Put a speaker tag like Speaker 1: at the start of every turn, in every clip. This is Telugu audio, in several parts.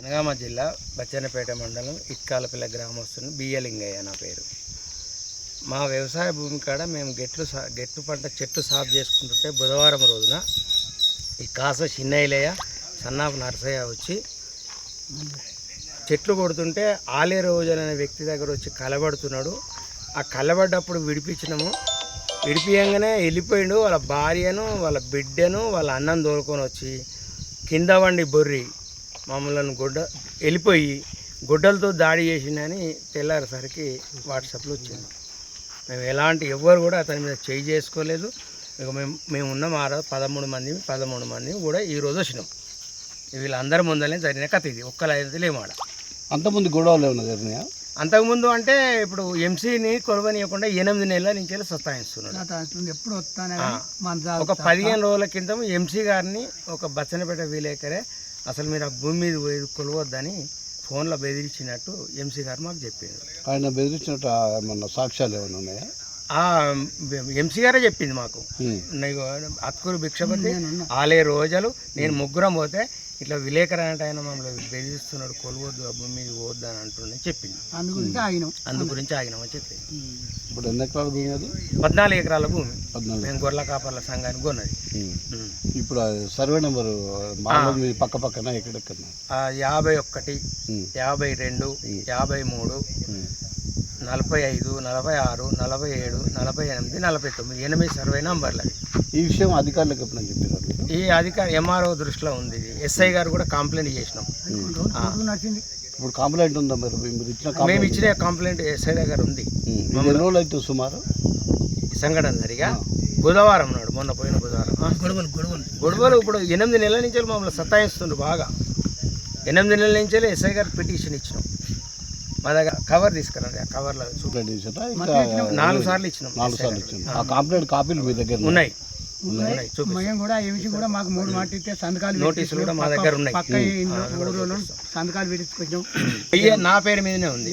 Speaker 1: జనగామ జిల్లా బచ్చన్నపేట మండలం ఇట్కాలపల్లి గ్రామస్తుని బియ్యలింగయ్య నా పేరు. మా వ్యవసాయ భూమి కాడ మేము గెట్టు పంట చెట్టు సాగు చేసుకుంటుంటే బుధవారం రోజున ఈ కాస చిన్నయ్యలయ్య సన్నాపు నరసయ్య వచ్చి చెట్లు కొడుతుంటే ఆలే రోజులు అనే వ్యక్తి దగ్గర వచ్చి కలబడుతున్నాడు. ఆ కలబడ్డప్పుడు విడిపించినాము. విడిపియంగానే వెళ్ళిపోయిండు. వాళ్ళ భార్యను వాళ్ళ బిడ్డను వాళ్ళ అన్నం తోలుకొని వచ్చి కింద వండి బొర్రి మమ్మల్ని వెళ్ళిపోయి గుడ్డలతో దాడి చేసిందని తెల్లారేసరికి వాట్సాప్లో వచ్చింది. మేము ఎలాంటి ఎవ్వరు కూడా అతని మీద చేయి చేసుకోలేదు. ఇక మేము ఉన్నాం 13 మంది కూడా ఈరోజు వచ్చినాం. వీళ్ళందరి ముందరనే జరిగిన కథ ఇది. ఒక్కలైతే లేమాడ.
Speaker 2: అంతకుముందు గొడవలు ఏమన్నా జరిగినాయా?
Speaker 1: అంతకుముందు అంటే ఇప్పుడు ఎంసీని కొలవనీయకుండా 8 నెలల నుంచి సతాయిస్తున్నాడు. ఒక 15 రోజుల క్రితం ఎంసీ గారిని ఒక బచ్చన్నపేట విలేకరే అసలు మీరు ఆ భూమి మీద కొలవద్దని ఫోన్లో బెదిరించినట్టు ఎంసీ గారు మాకు చెప్పింది.
Speaker 2: ఆయన బెదిరించినట్టు ఏమన్నా సాక్ష్యాలు ఏమైనా ఉన్నాయా?
Speaker 1: ఎంసీ గారే చెప్పింది మాకు. అత్కూరు భిక్షపతి ఆలే రోజులు నేను ముగ్గురం పోతే ఇట్లా విలేకరు అంటే ఆయన మమ్మల్ని బెదిరిస్తున్నాడు, కొలవద్దు ఆ భూమి మీద పోవద్దు అని అంటుండని చెప్పింది. అందు గురించి ఆగినామని చెప్పింది.
Speaker 2: ఇప్పుడు ఎన్ని ఎకరాల భూమి అది?
Speaker 1: 14 ఎకరాల భూమి మేము గొర్రెల కాపర్ల సంఘానికి కొన్నది.
Speaker 2: ఇప్పుడు సర్వే నెంబరు పక్క పక్కన ఎక్కడెక్కడ?
Speaker 1: 51, 52, 53, 45, 46, 47, 48, 49 8 సర్వే నంబర్లు.
Speaker 2: ఈ విషయం అధికారులకు ఎప్పుడని చెప్పారు?
Speaker 1: ఈ అధికారి ఎంఆర్ఓ దృష్టిలో ఉంది. ఎస్ఐ గారు కూడా కంప్లైంట్ చేసినాం.
Speaker 2: ఇప్పుడు కంప్లైంట్ ఉందా?
Speaker 1: మేము ఇచ్చిన కంప్లైంట్ ఎస్ఐ దగ్గర ఉంది.
Speaker 2: ఎన్ని రోజులు అయితే సుమారు
Speaker 1: ఈ సంఘటన జరిగా? బుధవారం నాడు, మొన్న పోయిన బుధవారం. గొడవలు ఇప్పుడు 8 నెలల నుంచి మమ్మల్ని సతాయిస్తుండ్రు బాగా. 8 నెలల నుంచి ఎస్ఐ గారికి పిటిషన్ ఇచ్చినాం. మా దగ్గర కవర్ తీసుకురండి. ఆ కవర్లో 4 సార్లు ఇచ్చినాం.
Speaker 2: ఆ కంప్లైంట్ కాపీలు మీ దగ్గర
Speaker 1: ఉన్నాయి.
Speaker 3: నోటీసులు కూడా మా దగ్గర ఉన్నాయి.
Speaker 1: నా పేరు మీదనే ఉంది.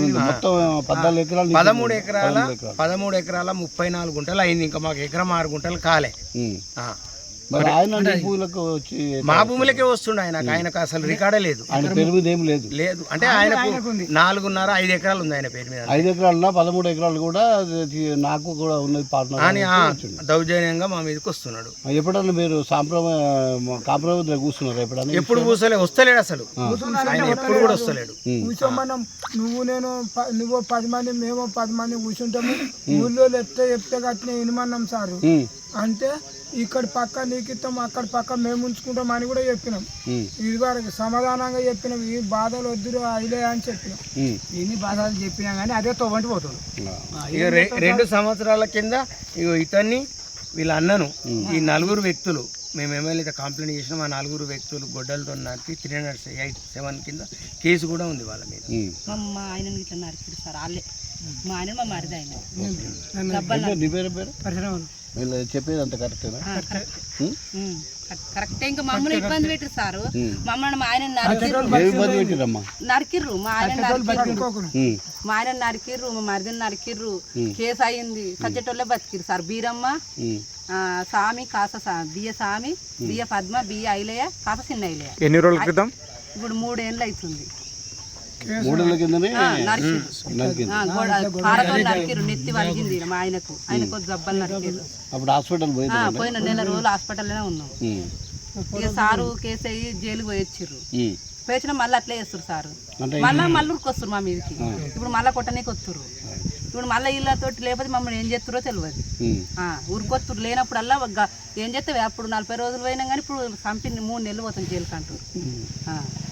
Speaker 1: 13 ఎకరాల 34 గుంటలు అయింది. ఇంకా మాకు ఎకరం 6 గుంటలు కాలే. మా భూములకే వస్తుండే ఆయనకు అసలు రికార్డే లేదు. లేదు అంటే ఆయనకు 4.5 ఎకరాలు ఉంది ఆయన పేరు మీద.
Speaker 2: 5 ఎకరాల 13 ఎకరాలు కూడా నాకు కూడా ఉన్నది
Speaker 1: అని దౌర్జన్యంగా మా మీదకి వస్తున్నాడు.
Speaker 2: ఎప్పుడన్నా మీరు కాంప్రమైజ్ కూర్చున్నారు?
Speaker 3: ఎప్పుడు
Speaker 1: వస్తలేడు అసలు. ఆయన ఎప్పుడు కూడా వస్తలేడు.
Speaker 3: కూర్చోమన్నాం. నువ్వు 10 మంది మేము 10 మంది కూర్చుంటాము. ఊళ్ళో చెప్తే కట్టిన వినమన్నాం సార్. అంటే ఇక్కడ పక్క నీకు ఇస్తాం, అక్కడ పక్క మేము ఉంచుకుంటాం అని కూడా చెప్పినాం. ఇది వరకు సమాధానంగా చెప్పినాం. ఈ బాధలు వద్దురు అయిలే అని చెప్పినాం. ఎన్ని బాధలు చెప్పినా కానీ అదే తోవంటి పోతుంది.
Speaker 1: 2 సంవత్సరాల కింద ఇతన్ని వీళ్ళ అన్నను ఈ 4 వ్యక్తులు మేము ఎమ్మెల్యే కంప్లైంట్ చేసినాం. ఆ 4 వ్యక్తులు గొడ్డలతో నరికి 387 కింద కేసు కూడా ఉంది వాళ్ళ మీద.
Speaker 4: మా ఆయన ఇట్లా నరికిరు సార్. వాళ్ళే మా ఆయన మా మరిది ఆయన.
Speaker 2: చెప్పేది అంత కరెక్టేనా?
Speaker 4: కరెక్టే. ఇంకా మమ్మల్ని ఇబ్బంది పెట్టరు సారు. మమ్మల్ని మా ఆయన నరికిర్రు. మా ఆయన నరికిర్రు, మా మరిదిని నరికిర్రు. కేసు అయింది. సజ్జటోళ్ళే బతికిరు సార్. బీరమ్మ, సామి, బియ్య సామి, బియ్య పద్మ, బియ్య ఐలయ్య, కాస చిన్న ఐలయ్య.
Speaker 5: ఎన్ని రోజుల క్రితం?
Speaker 4: ఇప్పుడు 3 ఏళ్ళు అవుతుంది.
Speaker 2: 3 ఏళ్ల కిందనే
Speaker 4: నరికిరు. నెత్తి వలిగింది మా ఆయనకు. జబ్బలు నరికిరు.
Speaker 2: అప్పుడు హాస్పిటల్
Speaker 4: పోయిన నెల రోజులు హాస్పిటల్లోనే ఉన్నాం. ఇక సారు కేసు అయ్యి జైలుకి పోయొచ్చిర్రు. పోయొచ్చిన మళ్ళీ అట్లే చేస్తారు సారు. మళ్ళీ ఉరికొస్తారు మా మీదకి. ఇప్పుడు మళ్ళీ కొట్టనీకి వస్తుర్రు. ఇప్పుడు మళ్ళీ వీళ్ళతో లేకపోతే మమ్మల్ని ఏం చేస్తారో తెలియదు. ఉరికొత్తురు. లేనప్పుడల్లా ఏం చేస్తే అప్పుడు 40 రోజులు పోయినా కానీ ఇప్పుడు చంపి 3 నెలలు పోతాం జైలుకి అంటారు.